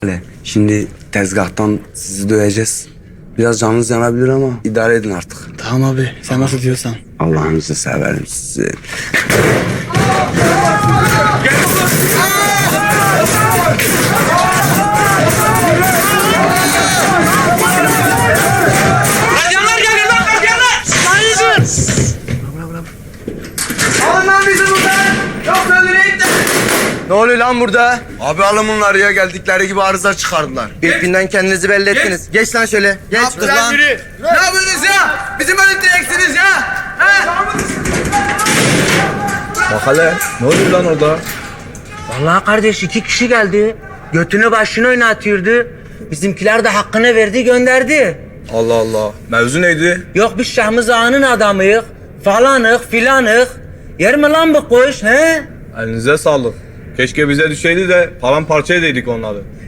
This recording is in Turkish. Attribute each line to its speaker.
Speaker 1: Şimdi tezgahtan sizi döveceğiz. Biraz canınız yanabilir ama idare edin artık.
Speaker 2: Tamam abi, sen nasıl diyorsan.
Speaker 1: Allah'ınızı severim sizi.
Speaker 3: Gardiyanlar geliyor lan, gardiyanlar! Hayırdır? Alın lan bizi buradan! Yoksa öldüreyim de!
Speaker 2: Ne oluyor lan burada?
Speaker 1: Abi alın bunları ya, geldikleri gibi arıza çıkardılar.
Speaker 2: İlkinden kendinizi belli ettiniz. Geç lan şöyle. Geç.
Speaker 3: Lan yürü! Ne yapıyorsunuz ya? Bizim öldüreceksiniz ya! Ha?
Speaker 4: Bak hele, ne oluyor lan orada?
Speaker 5: Vallahi kardeş 2 kişi geldi. Götünü başını oynatıyordu. Bizimkiler de hakkını verdi gönderdi.
Speaker 4: Allah Allah, mevzu neydi?
Speaker 5: Yok biz Şahmız Ağa'nın adamıyık. Falanık filanık. Yer mi lan bu kuş he?
Speaker 4: Elinize sağlık. Keşke bize düşeydi de paramparça edeydik onları.